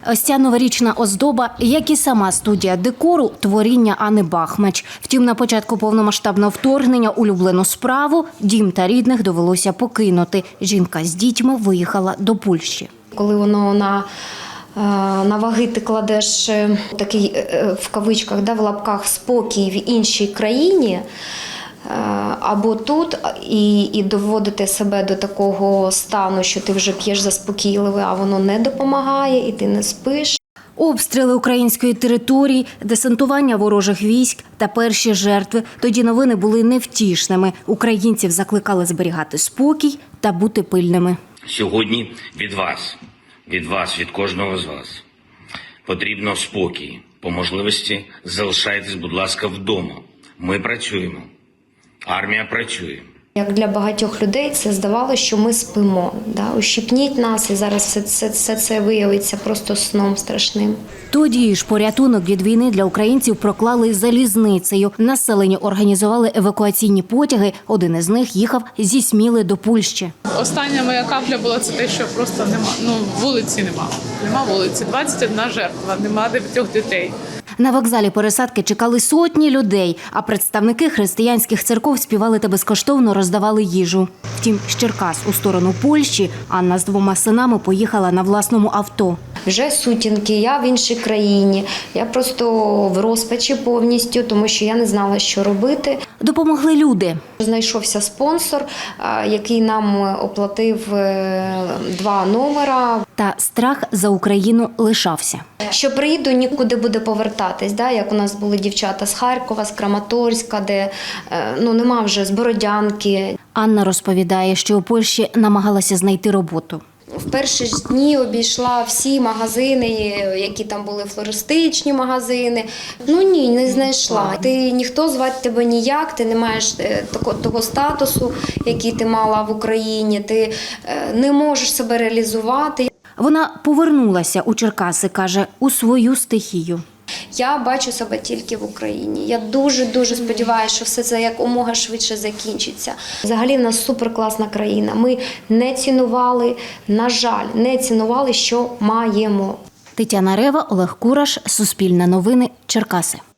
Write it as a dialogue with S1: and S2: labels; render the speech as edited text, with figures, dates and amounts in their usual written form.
S1: Ось ця новорічна оздоба, як і сама студія декору, творіння Анни Бахмач. Втім, на початку повномасштабного вторгнення улюблену справу дім та рідних довелося покинути. Жінка з дітьми виїхала до Польщі.
S2: Коли воно на ваги ти кладеш такий, в кавичках, в лапках, спокій в іншій країні, або тут, і доводити себе до такого стану, що ти вже п'єш заспокійливе, а воно не допомагає, і ти не спиш.
S1: Обстріли української території, десантування ворожих військ та перші жертви. Тоді новини були невтішними. Українців закликали зберігати спокій та бути пильними.
S3: Сьогодні від вас, від кожного з вас потрібно спокій. По можливості залишайтесь, будь ласка, вдома. Ми працюємо. Армія працює.
S2: Як для багатьох людей це здавалося, що ми спимо. Ущипніть нас, і зараз все це виявиться просто сном страшним.
S1: Тоді ж порятунок від війни для українців проклали залізницею. Населенню організували евакуаційні потяги. Один із них їхав зі Сміли до Польщі.
S4: Остання моя капля була це те, що просто нема. Вулиці нема. Нема вулиці. 21 жертва, нема 9 дітей.
S1: На вокзалі пересадки чекали сотні людей, а представники християнських церков співали та безкоштовно роздавали їжу. Втім, з Черкас у сторону Польщі Анна з 2 синами поїхала на власному авто.
S2: Вже сутінки, я в іншій країні, я просто в розпачі повністю, тому що я не знала, що робити.
S1: Допомогли люди.
S2: Знайшовся спонсор, який нам оплатив 2 номера.
S1: Та страх за Україну лишався.
S2: Що приїду, нікуди буде повертатись, як у нас були дівчата з Харкова, з Краматорська, де нема вже, з Бородянки.
S1: Анна розповідає, що у Польщі намагалася знайти роботу.
S2: В перші ж дні обійшла всі магазини, які там були флористичні магазини. Ні, не знайшла. Ніхто звати тебе ніяк, ти не маєш того статусу, який ти мала в Україні, ти не можеш себе реалізувати.
S1: Вона повернулася у Черкаси, каже, у свою стихію.
S2: Я бачу себе тільки в Україні. Я дуже сподіваюся, що все це якомога швидше закінчиться. Взагалі в нас суперкласна країна. Ми не цінували, на жаль, не цінували, що маємо.
S1: Тетяна Рева, Олег Кураш, Суспільне новини, Черкаси.